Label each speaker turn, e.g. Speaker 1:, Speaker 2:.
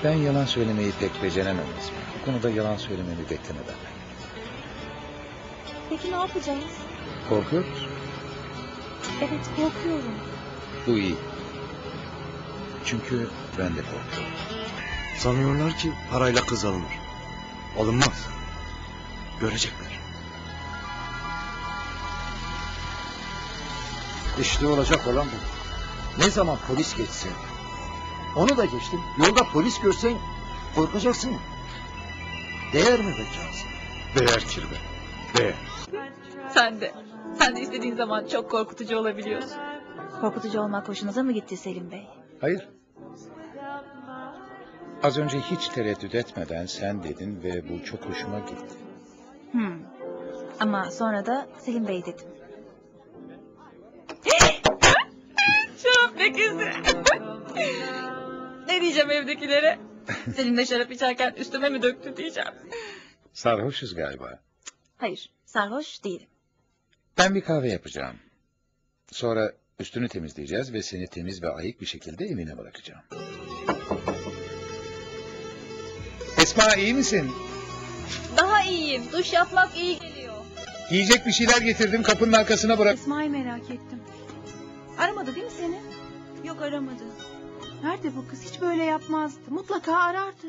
Speaker 1: Ben yalan söylemeyi pek beceremem Esma. Bu konuda yalan söylememi bekleme benden.
Speaker 2: Peki ne yapacağız?
Speaker 1: Korkuyor musun?
Speaker 2: Evet, korkuyorum.
Speaker 1: Bu iyi. Çünkü ben de korkuyorum.
Speaker 3: Sanıyorlar ki parayla kız alınır. Alınmaz. Görecekler.
Speaker 4: İşte olacak olan bu. Ne zaman polis geçse. Onu da geçtim. Yolda polis görsen korkacaksın. Değer mi be Cansın?
Speaker 3: Değer kirve. Değer.
Speaker 2: Sen de. Sen de istediğin zaman çok korkutucu olabiliyorsun. Korkutucu olmak hoşunuza mı gitti Selim Bey?
Speaker 1: Hayır. Az önce hiç tereddüt etmeden sen dedin ve bu çok hoşuma gitti.
Speaker 2: Ama sonra da Selim Bey dedim. Şarap lekesi. Ne diyeceğim evdekilere? Selim de şarap içerken üstüme mi döktü diyeceğim.
Speaker 1: Sarhoşuz galiba.
Speaker 2: Hayır, sarhoş değilim.
Speaker 1: Ben bir kahve yapacağım. Sonra üstünü temizleyeceğiz ve seni temiz ve ayık bir şekilde evine bırakacağım. Esma, iyi misin?
Speaker 2: Daha iyiyim. Duş yapmak iyi geliyor.
Speaker 1: Yiyecek bir şeyler getirdim, kapının arkasına bırak.
Speaker 5: Esma'yı merak ettim. Aramadı değil mi seni?
Speaker 6: Yok, aramadı.
Speaker 5: Nerede bu kız? Hiç böyle yapmazdı. Mutlaka arardı.